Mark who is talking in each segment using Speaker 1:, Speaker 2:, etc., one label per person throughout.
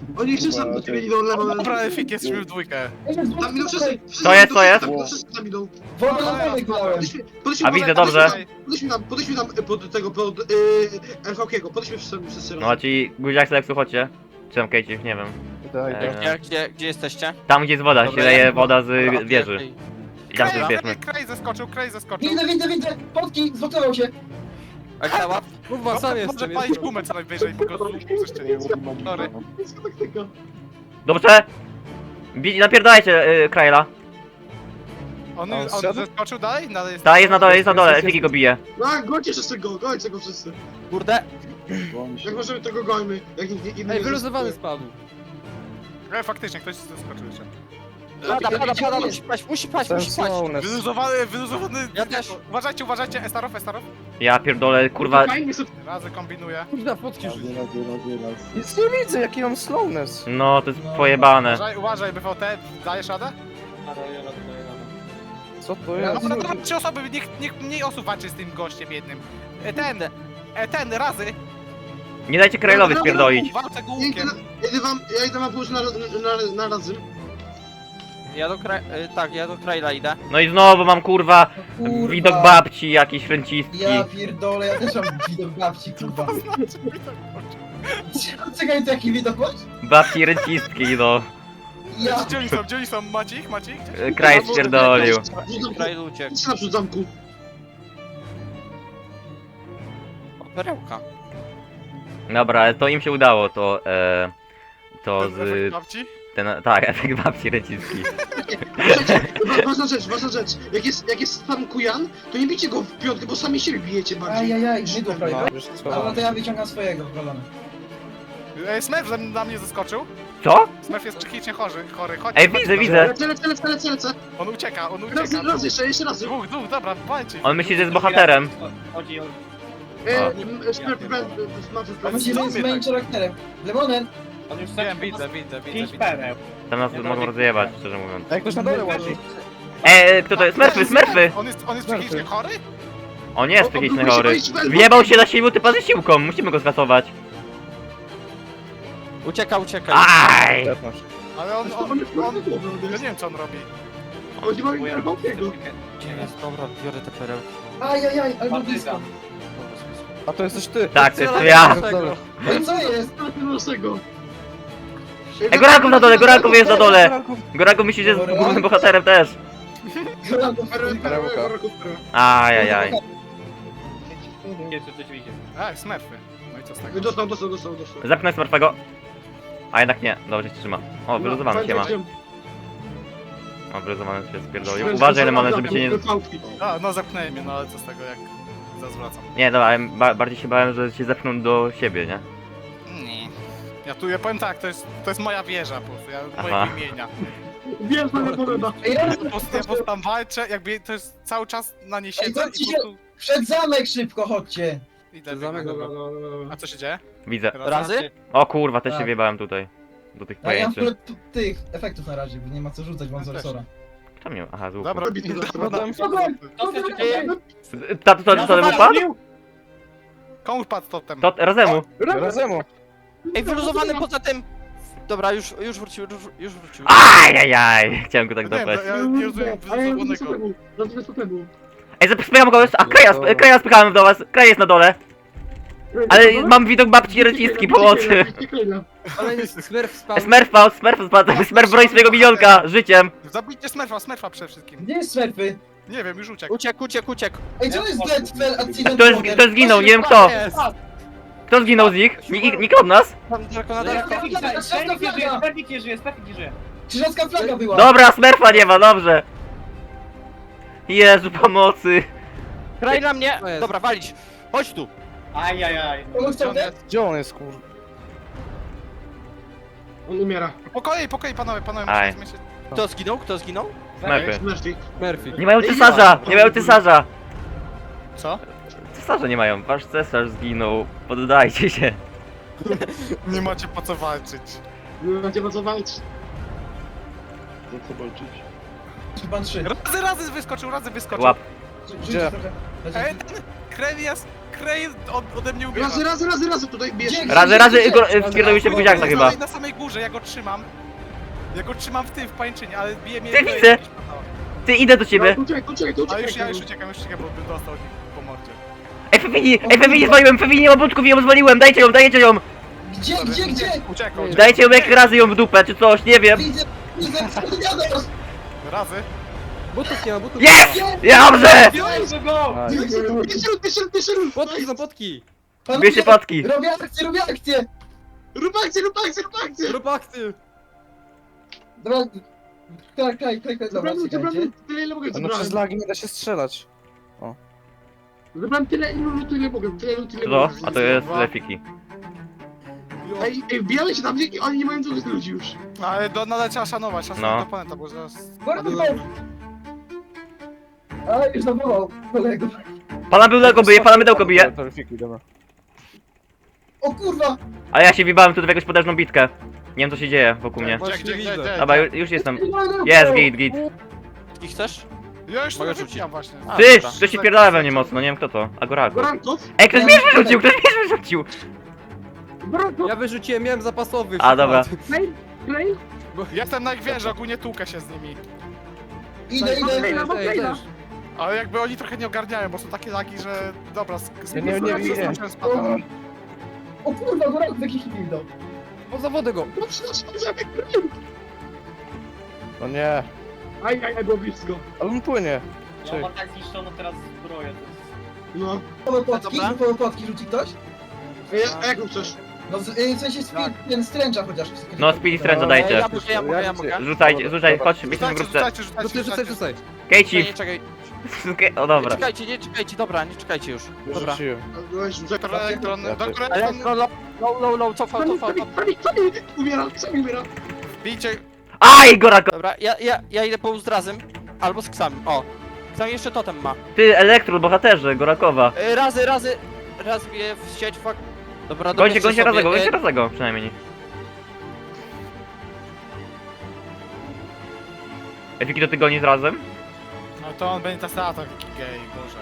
Speaker 1: Oni wszyscy do ciebie idą lewo.
Speaker 2: Dobra, Efik, jesteśmy w dwójkę.
Speaker 1: Tam idą wszyscy.
Speaker 3: Co jest, co jest?
Speaker 1: Wszyscy tam idą.
Speaker 4: Wodę na wodę grałem.
Speaker 3: A widzę, dobrze.
Speaker 1: Podejdźmy tam pod tego, pod LVK-go. Podejdźmy wszyscy
Speaker 3: No, czyli Guziak Seleksu, chodźcie. Czy tam Kejcie, nie wiem.
Speaker 5: Gdzie jesteście?
Speaker 3: Tam gdzie jest woda, się
Speaker 5: Dobra,
Speaker 3: leje woda z
Speaker 5: Dobra,
Speaker 3: wieży.
Speaker 5: okej.
Speaker 3: I tam się bierzmy.
Speaker 2: Krej zeskoczył.
Speaker 4: Widzę, potki, zlokował się.
Speaker 5: A cała?
Speaker 6: Kurwa, sam
Speaker 2: Może
Speaker 6: jestem.
Speaker 2: palić gumę co najwyżej, bo go jeszcze nie Sorry.
Speaker 3: Dobrze! Napierdajcie Kraila.
Speaker 2: On
Speaker 6: zszedł?
Speaker 2: zeskoczył dalej? Dalej jest.
Speaker 3: Ta, jest na dole, Efiki go bije.
Speaker 1: Gońcie wszyscy go, gońcie go wszyscy.
Speaker 5: Kurde.
Speaker 1: Jak możemy tego gońmy? Jak inni
Speaker 6: Ej, wyluzowany spadł.
Speaker 2: Faktycznie, ktoś zeskoczył jeszcze.
Speaker 5: Pada, musi paść.
Speaker 2: Wyluzowany.
Speaker 5: Ja też.
Speaker 2: Uważajcie, Estarow.
Speaker 3: Ja pierdolę, kurwa.
Speaker 2: Razy kombinuję.
Speaker 6: Kurwa, fotki rzuć. Nic nie widzę, jaki mam slowness.
Speaker 3: No, to jest pojebane.
Speaker 2: Uważaj, BVT, dajesz radę?
Speaker 6: Co to jest?
Speaker 2: No, dobra, 3 osoby, niech mniej osób walczy z tym gościem jednym. Ten, razy.
Speaker 3: Nie dajcie Krailowi spierdolić.
Speaker 2: Walczę go łukiem.
Speaker 1: Ja idę wam pójść na razy.
Speaker 5: Ja do Traila idę.
Speaker 3: No i znowu mam kurwa
Speaker 4: Kurwa.
Speaker 3: widok babci jakiś ręcistki.
Speaker 4: Ja pierdolę, ja też mam widok babci, kurwa. Czekaj, to jaki widok masz?
Speaker 3: Babci ręcistki, no.
Speaker 4: Ja...
Speaker 2: Gdzie oni są? Macie ich?
Speaker 3: Kraj spierdolił.
Speaker 5: Trail uciekł.
Speaker 1: Idź naprzód zamku.
Speaker 5: O, perełka.
Speaker 3: Dobra, ale to im się udało, to z...
Speaker 2: Babci?
Speaker 3: Tak, efekt babci ręcistki.
Speaker 1: Ważna rzecz. Jak jest tam Kujan, to nie bijcie go w piątkę, bo sami siebie bijecie bardziej.
Speaker 4: Ajajaj, nie do frajda.
Speaker 6: Wiesz
Speaker 4: A
Speaker 6: co?
Speaker 4: no to ja wyciągam swojego, golony.
Speaker 2: Smurf na mnie zaskoczył.
Speaker 3: Co?
Speaker 2: Smurf jest psychicznie chory. Chodź.
Speaker 3: Ej, widzę.
Speaker 1: Lecę.
Speaker 2: On ucieka.
Speaker 1: Raz, jeszcze raz.
Speaker 2: Dwóch, dobra, walczy.
Speaker 3: On myśli, że jest bohaterem.
Speaker 4: A myślę, że jest moim charakterem. Lemonen!
Speaker 2: Wiem, widzę.
Speaker 3: Tam nas mogą rozjebać, szczerze mówiąc.
Speaker 6: Jak ktoś na dole łazi.
Speaker 3: Kto to jest? Smurfy!
Speaker 2: On jest psychicznie chory?
Speaker 3: On nie jest psychicznie chory. Wjebał się na siłę typa ze siłką, musimy go skasować.
Speaker 5: Ucieka.
Speaker 3: Aj!
Speaker 2: Ale on... Ja nie wiem co on robi.
Speaker 1: Oni mają Jarbokiego.
Speaker 5: Gdzie jest? Dobra, biorę te perełki.
Speaker 4: Ajajaj, albo blisko.
Speaker 6: A to jesteś ty.
Speaker 3: Tak, to jest to ja.
Speaker 4: No i co jest?
Speaker 1: Naszego.
Speaker 3: Ej, Goranków na dole, Goranków jest na dole! Goranków myśli, że jest głównym bohaterem też. Ajajaj.
Speaker 2: Smurfy. No i co z tego?
Speaker 1: Dostał.
Speaker 3: Zepnę Smurfego. A jednak nie, dobrze się trzyma. O, wyluzowany się ma. O, wyluzowany się spierdolił. Uważaj, Lemony, żeby cię nie...
Speaker 2: No zepchnęli mnie, no ale co z tego jak zwracam.
Speaker 3: Nie, dobra, bardziej się bałem, że się zepchną do siebie, nie?
Speaker 2: Nie. Ja powiem tak, to jest moja wieża po prostu,
Speaker 3: Aha.
Speaker 2: mojego imienia.
Speaker 1: Wiem, że nie podoba.
Speaker 2: Ja po prostu tam walczę, jakby to jest cały czas na niej siedzę i po prostu
Speaker 4: Przed zamek szybko, chodźcie!
Speaker 2: idę.
Speaker 6: Zamek,
Speaker 2: A co się dzieje?
Speaker 3: Widzę.
Speaker 5: Razy?
Speaker 3: O kurwa, też się
Speaker 4: Tak.
Speaker 3: wjebałem tutaj. Do tych
Speaker 4: Ja nie mam w
Speaker 3: pojęczy.
Speaker 4: ogóle tych efektów na razie, bo nie ma co rzucać, mam Zorsora.
Speaker 3: Czemu nie? Aha, z łuku.
Speaker 2: Dobra,
Speaker 3: To wypadł?
Speaker 2: komu wpadł totem?
Speaker 3: To razemu.
Speaker 6: Razemu.
Speaker 5: Ej, wyluzowany poza tym. Dobra, już wrócił.
Speaker 3: Ajajaj! Chciałem go tak
Speaker 2: Nie,
Speaker 3: dopać.
Speaker 2: ja nie rozumiem wyluzowanego.
Speaker 3: Ej, spycham go już. A Kraja spychałem do was. Kraj jest na dole. Ale mam widok babci ręcistki pomocy.
Speaker 6: Ale Smurf spadł.
Speaker 3: Smurf spadł. Smurf broni swojego minionka życiem.
Speaker 2: Zabijcie Smurfa przede wszystkim.
Speaker 4: Gdzie jest Smurfy?
Speaker 2: Nie wiem, już uciekł.
Speaker 5: Uciekł.
Speaker 4: Ej, co jest Dead Accident?
Speaker 3: Kto zginął? Nie wiem kto. Kto zginął z nich? Nikt od nas?
Speaker 5: Tam daleko na daleko.
Speaker 4: Krzyżacka flaga była!
Speaker 3: Dobra, Smurfa nie ma, dobrze. Jezu, pomocy.
Speaker 5: Kraj na mnie.
Speaker 6: To jest.
Speaker 5: Dobra, walić. Chodź tu.
Speaker 4: Kogoś tam dead?
Speaker 6: Gdzie on jest, kur...
Speaker 1: On umiera.
Speaker 2: Po kolei, panowie,
Speaker 3: Aj.
Speaker 2: musimy zmieścić.
Speaker 5: Kto zginął?
Speaker 3: Smurfy.
Speaker 6: Murphy.
Speaker 3: Nie mają cesarza.
Speaker 2: Co?
Speaker 3: Cesarza nie mają. Wasz cesarz zginął. Poddajcie się.
Speaker 2: Nie macie po co walczyć.
Speaker 1: Macie co walczyć.
Speaker 4: Chyba 3.
Speaker 2: Razy wyskoczył.
Speaker 3: Łap.
Speaker 4: Rzućcie trochę.
Speaker 2: Ej, ten Krej ode mnie ubiera.
Speaker 1: Razy tutaj bierz.
Speaker 4: Dzięki.
Speaker 3: Razy wpierdolił się w buziaka chyba.
Speaker 2: Na samej górze, ja go trzymam. Ja go trzymam w tym, w pańczynie, ale bije mnie...
Speaker 3: Ty widzę. Ty, idę do ciebie.
Speaker 1: To
Speaker 2: A
Speaker 1: czekaj.
Speaker 2: już uciekam, bo bym dostał po mordzie.
Speaker 3: Ej, Fewini zwaliłem, Fewini nie ma budków, ją zwaliłem, dajcie ją!
Speaker 4: Gdzie?
Speaker 2: Uciekał.
Speaker 3: Dajcie ją jak razy ją w dupę, czy coś, nie wiem.
Speaker 4: Widzę, Jados!
Speaker 2: Razy.
Speaker 6: Butów nie ma, butów.
Speaker 3: Jest! Dobrze!
Speaker 1: Pierwszy ruch.
Speaker 6: Potki są potki.
Speaker 3: Bierzcie potki.
Speaker 4: Robię akcję!
Speaker 1: Rób akcję.
Speaker 6: Rób akty.
Speaker 4: Dobra, klej,
Speaker 1: Zabrałem
Speaker 4: dobra, czekajcie.
Speaker 1: tyle ile mogę,
Speaker 6: No przez
Speaker 1: zabrałem.
Speaker 6: lagi nie da się strzelać.
Speaker 1: Zabrałem tyle ile mogę,
Speaker 3: No, a to jest lefiki.
Speaker 1: Ej, wbijamy się tam, i oni nie mają dużych ludzi już.
Speaker 2: Ale nadal trzeba szanować
Speaker 3: No.
Speaker 2: oponenta, bo zaraz...
Speaker 4: A, już zawołał kolego.
Speaker 3: Pana byłego bije, pana mydełko bije.
Speaker 6: To refiki, dobra.
Speaker 4: O kurwa!
Speaker 3: A ja się wibałem tu w jakąś potężną bitkę. Nie wiem co się dzieje wokół mnie.
Speaker 6: Właśnie
Speaker 2: Gdzie?
Speaker 6: widzę.
Speaker 3: Dobra, już jestem. Jest, git.
Speaker 5: I chcesz?
Speaker 2: Ja już
Speaker 5: Mogę
Speaker 2: to
Speaker 5: rzucić.
Speaker 2: rzuciłem właśnie.
Speaker 5: A,
Speaker 3: Ty,
Speaker 5: dobra.
Speaker 3: ktoś się pierdala we mnie mocno, nie wiem kto to. Agorago.
Speaker 1: Gorankow?
Speaker 3: Ej, ktoś mnie wyrzucił!
Speaker 1: Gorankow?
Speaker 6: Ja wyrzuciłem, miałem zapasowy.
Speaker 3: A, dobra.
Speaker 1: Klej?
Speaker 2: Jestem na ich wieży, ogólnie tłukę się z nimi.
Speaker 4: Idę.
Speaker 6: Ej, też.
Speaker 2: Ale jakby oni trochę nie ogarniają, bo są takie lagi, że... Dobra,
Speaker 6: Ja nie widzę.
Speaker 4: O kurwa, Gorankow jakiś hit dał.
Speaker 6: O, zawody go. No nie.
Speaker 1: Aj, było blisko.
Speaker 6: Ale on płynie.
Speaker 7: Ja ma tak zniszczono teraz zbroję.
Speaker 1: No.
Speaker 4: Gotowe płatki rzuci ktoś?
Speaker 1: A jak chcesz?
Speaker 4: No w sensie ten stręcza chociaż.
Speaker 3: No, speed stręcza dajcie.
Speaker 5: Ja mogę.
Speaker 3: Rzucaj, chodź, jesteśmy w grupce.
Speaker 6: Rzucaj.
Speaker 3: Kejci!
Speaker 5: Nie, czekaj.
Speaker 3: O dobra.
Speaker 5: Nie czekajcie, dobra, nie czekajcie już. Dobra.
Speaker 6: Rzuciłem.
Speaker 2: Doktor Elektron,
Speaker 6: Ja
Speaker 2: doktor
Speaker 6: też.
Speaker 2: Elektron,
Speaker 5: Low, cofał.
Speaker 1: Sami umiera.
Speaker 2: bijcie...
Speaker 3: Aj, Gorako!
Speaker 5: Dobra, ja idę po Uzdrazym. Albo z Ksami. O. Ksami jeszcze totem ma.
Speaker 3: Ty, Elektro, bohaterze, Gorakowa.
Speaker 5: Raz bije w sieć, fuck. Dobra,
Speaker 3: Gońcie razego, przynajmniej. Efiki, to ty gonisz razem?
Speaker 2: No to on będzie ta taki gej, boże.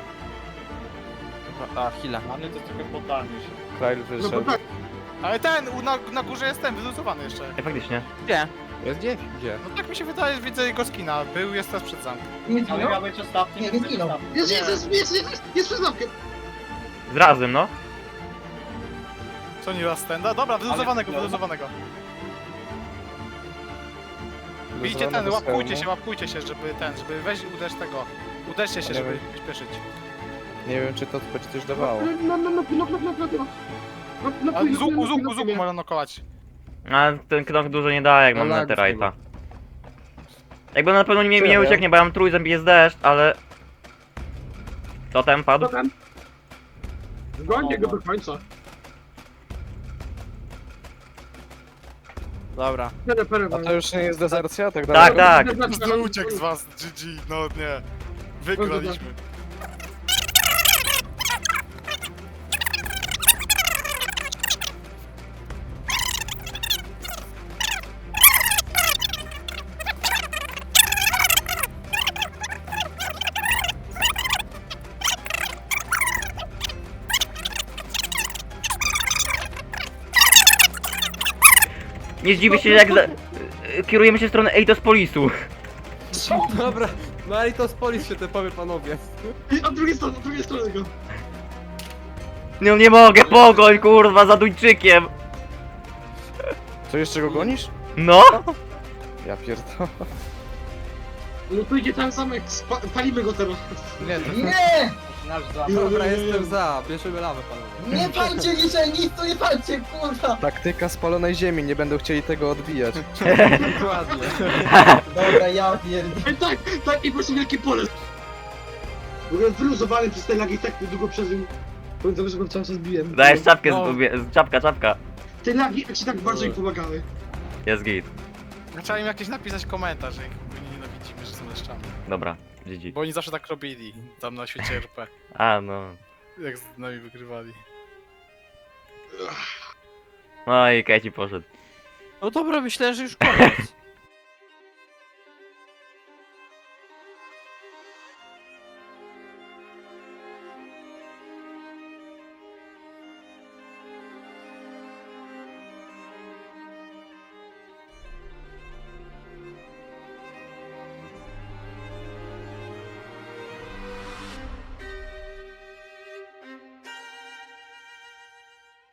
Speaker 5: A, chwila.
Speaker 7: Mamy to trochę poddanie się.
Speaker 6: Krail
Speaker 1: No
Speaker 6: wyszedł.
Speaker 1: bo tak.
Speaker 2: Ale na górze jest ten, wyluzowany jeszcze.
Speaker 3: Ej, faktycznie.
Speaker 5: Gdzie?
Speaker 6: Jest gdzie? Gdzie?
Speaker 2: No tak mi się wydaje, że widzę jego skina. jest teraz przed zamkiem.
Speaker 4: Nie
Speaker 7: Ale
Speaker 4: zginął?
Speaker 7: miał być ostatni.
Speaker 4: Nie, nie zginął.
Speaker 1: Jest przed zamkiem.
Speaker 3: Z razem, no.
Speaker 2: Co nie raz stenda? Dobra, wyluzowanego. Bijcie ten, łapkujcie się, żeby weź uderz tego. Uderzcie się,
Speaker 6: Nie
Speaker 2: żeby
Speaker 6: wiem.
Speaker 2: śpieszyć.
Speaker 6: Nie wiem czy to będzie coś dawało.
Speaker 2: A z łuku można nokować.
Speaker 3: A ten knok dużo nie daje, jak mam
Speaker 6: lag
Speaker 3: netherite'a. Jakby na pewno mi nie ucieknie, bo ja mam trójzęb i jest deszcz, ale... Totem padł?
Speaker 1: Gońcie go do końca.
Speaker 5: Dobra.
Speaker 6: A to już nie jest dezercja? Tak
Speaker 3: Tak, tak.
Speaker 2: Uciekł z was, GG, no nie. Wygraliśmy.
Speaker 3: Nie zdziwię się, jak kierujemy się w stronę Eidospolisu.
Speaker 6: Dobra, no i to z polis się te powie panowie.
Speaker 1: Od drugiej strony go.
Speaker 3: No nie mogę, pogoń, kurwa, za Duńczykiem.
Speaker 6: Co jeszcze go gonisz?
Speaker 3: No?
Speaker 6: Ja pierdolę.
Speaker 1: No tu idzie ten zamek, palimy go teraz.
Speaker 6: Nie, to...
Speaker 4: Nie!
Speaker 7: Nasz za.
Speaker 6: Dobra, jestem za. Bierzemy lawę panowie.
Speaker 4: Nie palcie niczej, nic tu nie palcie, kurwa!
Speaker 6: Taktyka spalonej ziemi, nie będą chcieli tego odbijać. Dokładnie.
Speaker 4: Dobra, ja pierdolę.
Speaker 1: Tak, i po prostu wielkie pole. Byłem wyluzowany przez te lagi, tak długo przeżył. Pamiętam, że go cały czas biłem.
Speaker 3: Dajesz czapkę,
Speaker 2: No.
Speaker 3: czapka.
Speaker 1: Te lagi ci tak bardzo im pomagały.
Speaker 3: Jest git.
Speaker 2: Trzeba im jakiś napisać komentarz, że ich nienawidzimy, że są leszczami.
Speaker 3: Dobra, GG.
Speaker 2: Bo oni zawsze tak robili, tam na świecie RP.
Speaker 3: A, no.
Speaker 2: Jak z nami wygrywali.
Speaker 3: No i Kejci poszedł.
Speaker 5: No dobra, myślałem, że już koniec.